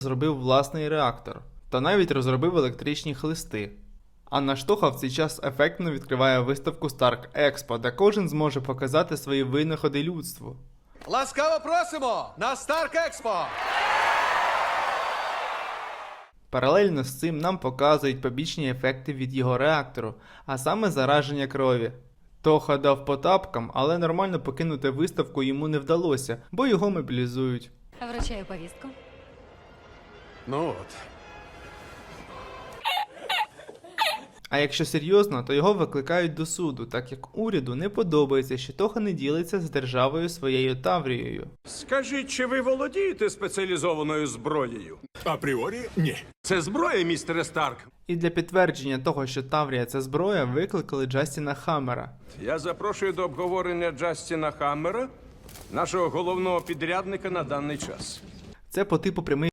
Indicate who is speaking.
Speaker 1: зробив власний реактор та навіть розробив електричні хлисти. А наш Тоха в цей час ефектно відкриває виставку Stark Expo, де кожен зможе показати свої винаходи людству.
Speaker 2: Ласкаво просимо на Stark Expo!
Speaker 1: Паралельно з цим нам показують побічні ефекти від його реактору, а саме зараження крові. Тоха дав по тапкам, але нормально покинути виставку йому не вдалося, бо його мобілізують.
Speaker 3: Вручаю повістку.
Speaker 2: Ну от.
Speaker 1: А якщо серйозно, то його викликають до суду, так як уряду не подобається, що Тоха не ділиться з державою своєю Таврією.
Speaker 4: Скажіть, чи ви володієте спеціалізованою зброєю?
Speaker 5: Апріорі ні.
Speaker 4: Це зброя, містере Старк.
Speaker 1: І для підтвердження того, що Таврія – це зброя, викликали Джастіна Хаммера.
Speaker 4: Я запрошую до обговорення Джастіна Хаммера, нашого головного підрядника на даний час.
Speaker 1: Це по типу прямий